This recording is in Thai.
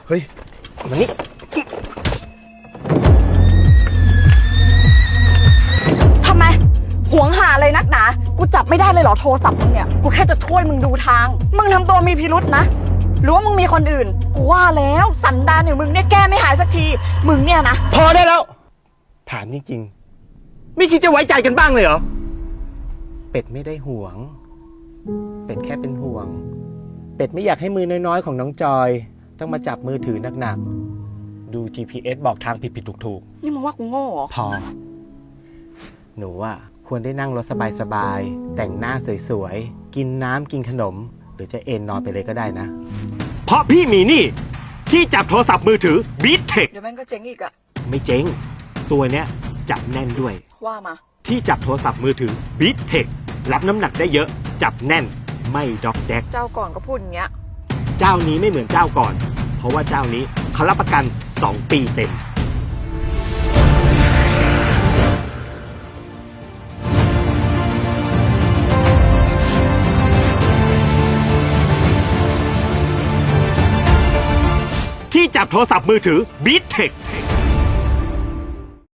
เฮ้ยมานี่ทำไมหวงหาอะไรนักหนากูจับไม่ได้เลยเหรอโทรศัพท์มึงเนี่ยกูแค่จะช่วยมึงดูทางมึงทำตัวมีพิรุษนะหรือว่ามึงมีคนอื่นกูว่าแล้วสันดานอย่างมึงเนี่ยแก้ไม่หายสักทีมึงเนี่ยนะพอได้แล้วถามจริงๆไม่คิดจะไว้ใจกันบ้างเลยเหรอเป็ดไม่ได้ห่วงเป็ดแค่เป็นห่วงเป็ดไม่อยากให้มือน้อยๆของน้องจอยต้องมาจับมือถือหนักๆดู GPS บอกทางผิดๆถูกๆนี่มึงว่ากูโง่เหรอพอหนูอ่ะควรได้นั่งรถสบายๆแต่งหน้าสวยๆกินน้ำกินขนมหรือจะเอนนอนไปเลยก็ได้นะเพราะพี่มีนี่ที่จับโทรศัพท์มือถือ BeatTech เดี๋ยวมันก็เจ๊งอีกอะไม่เจ๊งตัวเนี้ยจับแน่นด้วยว่ามาที่จับโทรศัพท์มือถือ BeatTech รับน้ำหนักได้เยอะจับแน่นไม่ด็อกแดกเจ้าก่อนก็พูดอย่างเงี้ยเจ้านี้ไม่เหมือนเจ้าก่อนเพราะว่าเจ้านี้เขารับประกัน2 ปีเต็มที่จับโทรศัพท์มือถือ BeatTech